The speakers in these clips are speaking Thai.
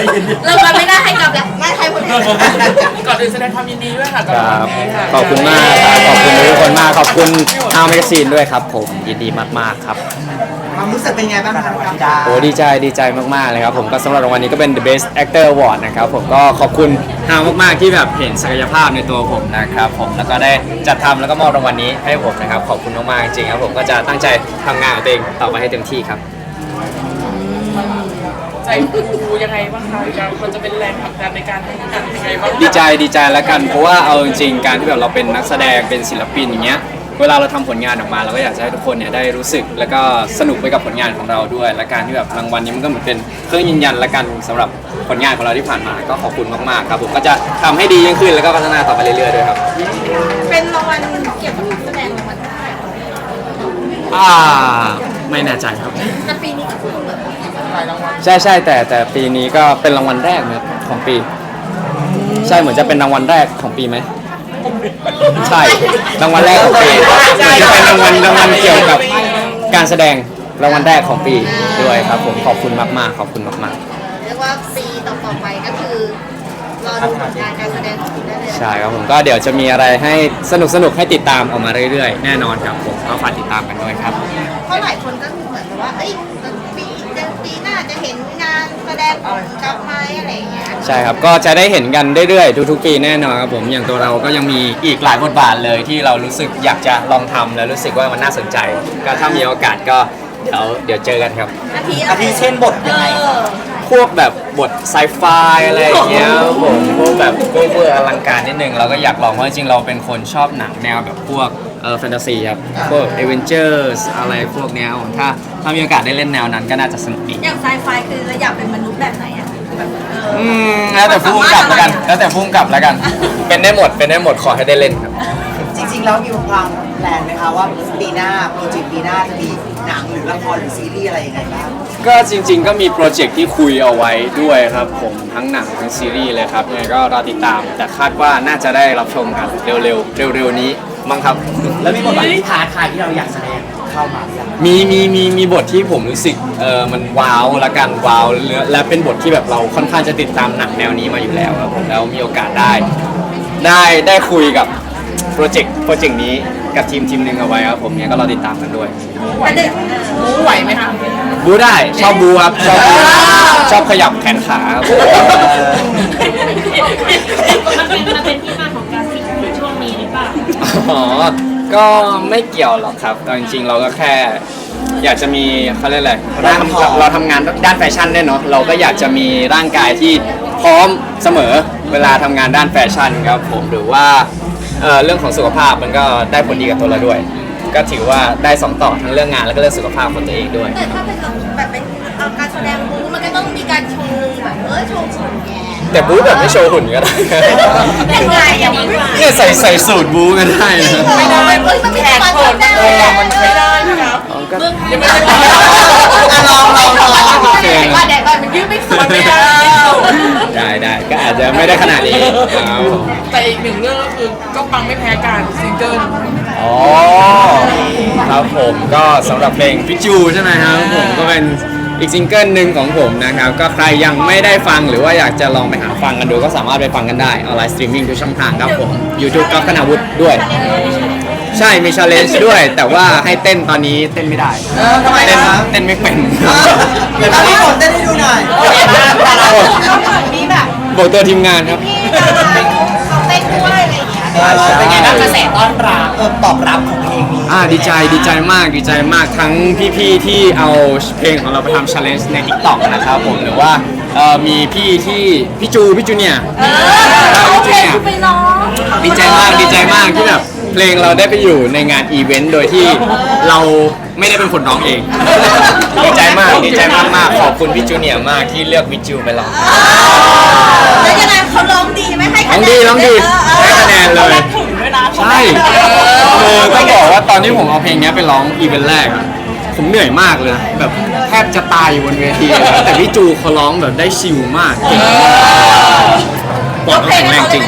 เรากันไม่ได้ให้กลับแล้วไม่ใครคนเดียวก่อนอื่นแสดงความยินดีด้วยค่ะครับขอบคุณมากครับขอบคุณทุกคนมากขอบคุณทางแมกกาซีนด้วยครับผมยินดีมากๆครับความรู้สึกเป็นไงบ้างครับพี่ดาโอ้ดีใจมากๆเลยครับผมก็สำหรับรางวัลนี้ก็เป็น The Best Actor Award นะครับผมก็ขอบคุณทางมากๆที่แบบเห็นศักยภาพในตัวผมนะครับผมแล้วก็ได้จัดทำแล้วก็มอบรางวัลนี้ให้ผมนะครับขอบคุณมากๆจริงๆครับผมก็จะตั้งใจทำงานของตัวเองต่อไปให้เต็มที่ครับใจฟูยังไงบ้างคะมันจะเป็นแรงผลักดันในการทำงานยังไงบ้างดีใจแล้วกันเพราะว่าเอาจริงๆการที่แบบเราเป็นนักแสดงเป็นศิลปินอย่างเงี้ยเวลาเราทำผลงานออกมาเราก็อยากจะให้ทุกคนเนี่ยได้รู้สึกแล้วก็สนุกไปกับผลงานของเราด้วยและการที่แบบรางวัลนี้มันก็เหมือนเป็นเครื่องยืนยันละกันสำหรับผลงานของเราที่ผ่านมาก็ขอบคุณมากๆครับผมก็จะทำให้ดียิ่งขึ้นแล้วก็พัฒนาต่อไปเรื่อยๆด้วยครับเป็นรางวัลเกี่ยวกับนักแสดงรางวัลได้ไม่แน่ใจครับแต่ปีนี้ก็คือแบบใช่แต่ปีนี้ก็เป็นรางวัลแรกนะครับของปี ใช่เหมือนจะเป็นรางวัลแรกของปีไหมใช่รางวัลแรกของปีจะเป็นรางวัลเกี่ยวกับการแสดงรางวัลแรกของปีด้วยครับผมขอบคุณมากๆขอบคุณมากๆเรียกว่าปีต่อไปก็คือรอดูผลงานการแสดงของคุณได้เลยใช่ครับผมก็เดี๋ยวจะมีอะไรให้สนุกให้ติดตามออกมาเรื่อยๆแน่นอนครับผมก็ฝากติดตามกันด้วยครับเพราะหลายคนก็เหมือนกับว่าเอ้ยปีหน้าจะเห็นงานแสดงของกับไม้อะไรอย่างเงี้ยใช่ครับก็จะได้เห็นกันเรื่อยๆทุกๆปีแน่นอนครับผมอย่างตัวเราก็ยังมีอีกหลายบทบาทเลยที่เรารู้สึกอยากจะลองทำแล้วรู้สึกว่ามันน่าสนใจก็ถ้ามีโอกาสก็เดี๋ยวเจอกันครับอาทิเช่นบทยังไงครับพวกแบบบทไซไฟอะไรอย่างเงี้ยครับผมพวกแบบเวอร์อลังการนิดนึงเราก็อยากลองเพราะจริงๆเราเป็นคนชอบหนังแนวแบบพวกแฟนตาซีครับพวกเอเวนเจอร์สอะไรพวกเนี้ยผมถ้ามีโอกาสได้เล่นแนวนั้นก็น่าจะสนุกดีอย่างไซไฟคือเราอยากเป็นมนุษย์แบบไหนอะแบบแล้วแต่พุ่งกลับแล้วกันแล้วแต่พุ่งกลับแล้วกัน เป็นได้หมดขอให้ได้เล่นครับจริงๆแล้วมีวางแผนไหมคะว่าปีหน้าโปรเจกต์ปีหน้าจะมีหนังหรือละครหรือซีรีส์อะไรยังไงบ้างก็จริงๆก็มีโปรเจกต์ที่คุยเอาไว้ด้วยครับผมทั้งหนังทั้งซีรีส์เลยครับยังไงก็รอติดตามแต่คาดว่าน่าจะได้รับชมกันเร็วๆนี้มั้งครับแล้วมีบทบาทที่ท้าทายที่เราอยากแสดงเข้ามาหรือยังมีบทที่ผมรู้สึกมันว้าวละกันว้าวและเป็นบทที่แบบเราค่อนข้างจะติดตามหนังแนวนี้มาอยู่แล้วครับผมแล้วมีโอกาสได้คุยกับโปรเจกต์นี้กับทีมหนึ่งเอาไว้ครับผมเนี่ยก็รอติดตามกันด้วยแต่เด็กไหวไหมคะบูได้ชอบบูครับชอบขยับแขนขาครับมันเป็นที่มาของการสิงในช่วงนี้หรือเปล่าอ๋อก็ไม่เกี่ยวหรอกครับแต่จริงๆเราก็แค่อยากจะมีเขาเรียกอะไรเราทำงานด้านแฟชั่นด้วยเนาะเราก็อยากจะมีร่างกายที่พร้อมเสมอเวลาทำงานด้านแฟชั่นครับผมหรือว่าเรื่องของสุขภาพมันก็ได้ผลดีกับตัวเราด้วย ก็ถือว่าได้สองต่อทั้งเรื่องงานแล้วก็เรื่องสุขภาพของตัวเองด้วยแต่ถ้าเป็นแบบเป็นการแสดงบู๊มันก็ต้องมีการโชว์แบบโชว์หุ่นแกแต่บู๊แบบไม่โชว์หุ่นก็ได้ยังไงอย่างนี้เนี่ยใส่สูตรบู๊ก็ได้นะไม่ได้มันมีความสนใจมันไม่ได้นะครับก็ยังไม่ได้ลองว่าแดดมันยืดไม่สุดมันไม่ได้ได้ก็อาจจะไม่ได้ขนาดนี้ครับแต่อีกหนึ่งเรื่องก็คือก็ปังไม่แพ้กันซิงเกิลอ๋อครับผมก็สำหรับเพลงพิจูใช่ไหมครับผมก็เป็นอีกซิงเกิลหนึ่งของผมนะครับก็ใครยังไม่ได้ฟังหรือว่าอยากจะลองไปหาฟังกันดูก็สามารถไปฟังกันได้ออนไลน์สตรีมมิ่งทุกช่องทางครับผม YouTube ก็คณาวุฒิด้วย ใช่มีชาเลนจ์ด้วย แต่ว่าให้เต้นตอนนี้เต้นไม่ได้ทำไมนะเต้นไม่เป็นเดี๋ยวพี่ฝนเต้นให้ดูหน่อยมีแบบบอกตัวทีมงานครับพี่เขาเต้นด้วยอะไรอย่างเงี้ยเป็นไงบ้างกระแสต้อนรับตอบรับของเพลงนี้ดีใจมากทั้งพี่ๆที่เอาเพลงของเราไปทำ challenge ใน TikTok นะครับผมหรือว่ามีพี่จูเนี่ยโอเคคือไปร้องดีใจมากที่แบบเพลงเราได้ไปอยู่ในงานอีเวนต์โดยที่เราไม่ได้เป็นคนร้องเอง ดีใจมากขอบคุณพี่จูเนียร์มากที่เลือกวิจูไปร้องแล้วยังไงเขาร้องดีไหมให้ร้องดีให้คะแนนเลยถึงด้วยนะใช่คือต้องบอกว่าตอนที่ผมเอาเพลงนี้ไปร้องอีเวนต์แรกอะผมเหนื่อยมากเลยนะแบบแทบจะตายอยู่บนเวทีเลยนะแต่พี่จูเขาร้องแบบได้ชิลมากเก่งมากปอดต้องแข็งแรงจริง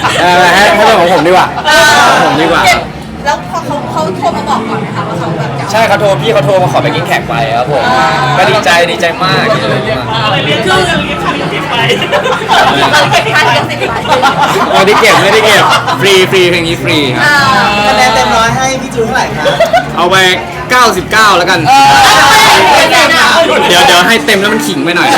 ให้เป็นของผมดีกว่าแล้วพอเขาโทรมาบอกก่อนนะคะว่าเขาแบบจะใช่เขาโทรพี่เขาโทรมาขอไปกินแขกไปครับผมก็ดีใจมากอะไรเรียกคือเรียกค่าลิขสิทธิ์ไปเราเก็บค่าลิขสิทธิ์ไปไม่ได้เก็บฟรีเพลงนี้ฟรีครับคะแนนเต็มร้อยให้พี่จูเท่าไหร่คะเอาไป 99 แล้วกัน เดี๋ยวให้เต็มแล้วมันขิงไปหน่อย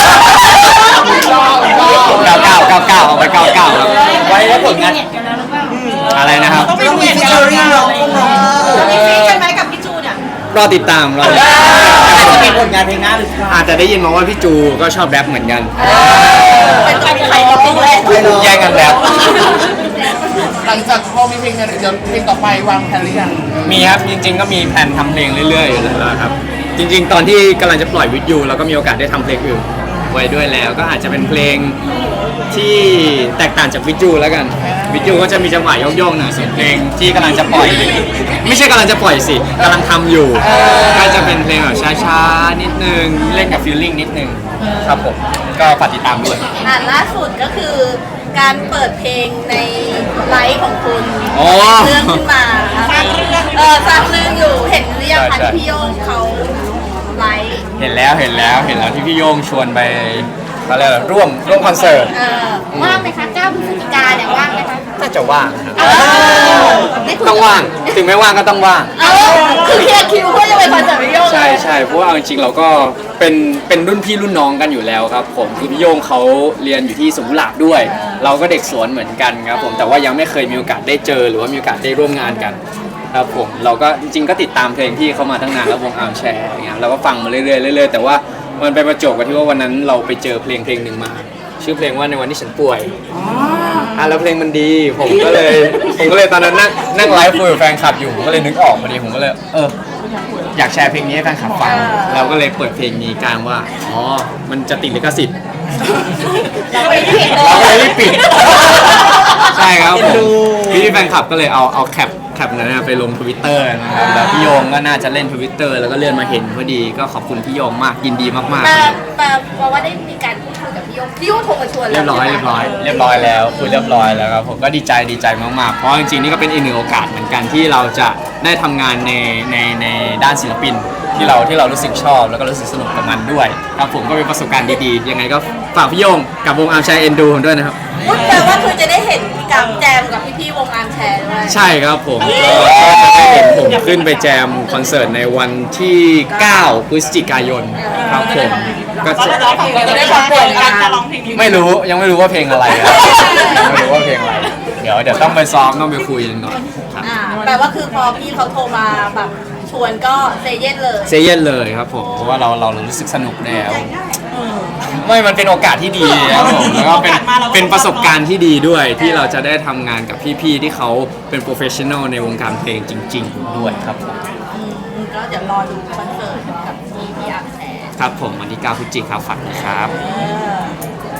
99เอาไป 99ครับไว้แล้วผลงานเน็ตกันแล้วหรือเปล่าอะไรนะครับต้องมีฟิชเชอร์ริ่งร้องคงร้องคู่มีฟีใช่ไหมกับพี่จูเนี่ยรอติดตามอาจจะมีผลงานเพลงหน้าหรือเปล่าอาจจะได้ยินมาว่าพี่จูก็ชอบแรปเหมือนกันเป็นตัวใครก็ไม่รู้แย่งกันแรปหลังจากพอมีเพลงกันเดี๋ยวเพลงต่อไปวางแผนหรือยังมีครับจริงๆก็มีแผนทำเพลงเรื่อยๆอยู่แล้วครับจริงๆ ตอนที่กำลังจะปล่อยวิดยูเราก็มีโอกาสได้ทำเพลงอื่นไว้ด้วยแล้วก็อาจจะเป็นเพลงที่แตกต่างจากวิดยูแล้วกันวิดยูก็จะมีจังหวะโยกๆหน่อยส่วนเพลงที่กำลังจะปล่อย ไม่ใช่กำลังจะปล่อยสิกำลังทำอยู่ก็จะเป็นเพลงแบบช้าๆนิดนึงเล่นกับฟีลลิ่งนิดนึงครับผมก็ฝากติดตามด้วยล่าสุดก็คือการเปิดเพลงในไลฟ์ของคุณอ๋อเรื่องขึ้นมาสร้างเรื่องอยู่เห็นหรือยังคะที่พี่โยงเขาไลฟ์เห็นแล้วที่พี่โย่งชวนไปเขาเรียกอะไรร่วมคอนเสิร์ตว่างไหมคะ9 พฤศจิกาเนี่ยว่างไหมคะน่าจะว่างครับได้คุยต้องว่าง ถึงไม่ว่างก็ต้องว่างคือเคลียร์คิวเพื่อจะไปคอนเสิร์ตพี่โยงใช่เพราะว่าเอาจริงๆเราก็เป็นรุ่นพี่รุ่นน้องกันอยู่แล้วครับผมคือพี่โย่งเขาเรียนอยู่ที่สวนกุหลาบด้วย เราก็เด็กสวนเหมือนกันครับผมแต่ว่ายังไม่เคยมีโอกาสได้เจอหรือว่ามีโอกาสได้ร่วมงานกันครับผมเราก็จริงๆก็ติดตามเพลงที่เขามาตั้งนานแล้ววงอาร์มแชร์อย่างเงี้ยเราก็ฟังมาเรื่อยๆแต่ว่ามันไปประจวบกับที่ว่าวันนั้นเราไปเจอเพลงหนึ่งมา ชื่อเพลงว่าในวันที่ฉันป่วยแล้วเพลงมันดีผมก็เลยตอนนั้นนั่งไลฟ์คุยกับแฟนคลับอยู่ผมก็เลยนึกออกพอดีผมก็เลยอยากแชร์เพลงนี้ให้แฟนคลับฟังเราก็เลยเปิดเพลงนี้กลางว่าอ๋อมันจะติดลิขสิทธิ์เราไปเห็นเลเราก็เลยยรีบปิดใช่ครับผมพี่แฟนคลับก็เลยเอาแคปนั้นไปลง Twitter นะครับแล้วพี่โยงก็น่าจะเล่น Twitter แล้วก็เลื่อนมาเห็นพอดีก็ขอบคุณพี่โยงมากยินดีมากๆแต่ว่าได้มีการพูดคุยกับพี่โยงโทรมาชวนเรียบร้อยแล้วคุยเรียบร้อยแล้วครับผมก็ดีใจมากๆเพราะจริงๆนี่ก็เป็นอีกหนึ่งโอกาสเหมือนกันที่เราจะได้ทำงานในด้านศิลปินที่เรารู้สึกชอบแล้วก็รู้สึกสนุกกับมันด้วยครับผมก็เป็นประสบการณ์ดีๆยังไงก็ฝากพี่โยงกับวงอาร์มแชร์เอ็นดูด้วยนะครับแปลว่าคือจะได้เห็นพี่กัมแจมกับพี่ๆวงอาร์มแชร์ด้วยใช่ครับผมก็จะได้เห็นผมขึ้นไปแจมคอนเสิร์ตในวันที่ 9 พฤศจิกายนครับผมก็จะจะได้ความโปรดการร้องเพลงนี้ยังไม่รู้ว่าเพลงอะไรนะไม่รู้ว่าเพลงอะไรเดี๋ยวต้องไปซ้อมต้องไปคุยกันก่อนครับแปลว่าคือพอพี่เขาโทรมาแบบชวนก็เซเย่นเลยเซเย่นเลยครับผมเพราะว่าเรารู้สึกสนุกแล้วไม่มันเป็นโอกาสที่ดีครับผมแล้วก็เป็นประสบการณ์ที่ดีด้วยที่เราจะได้ทำงานกับพี่ๆที่เขาเป็นโปรเฟชชั่นอลในวงการเพลงจริง ๆ ด้วยครับผมก็เดี๋ยวรอดูคอนเสิร์ตกับพี่อาร์มแชร์ครับผมวันที่ 9 พฤศจิกายนครับฝากนะครับ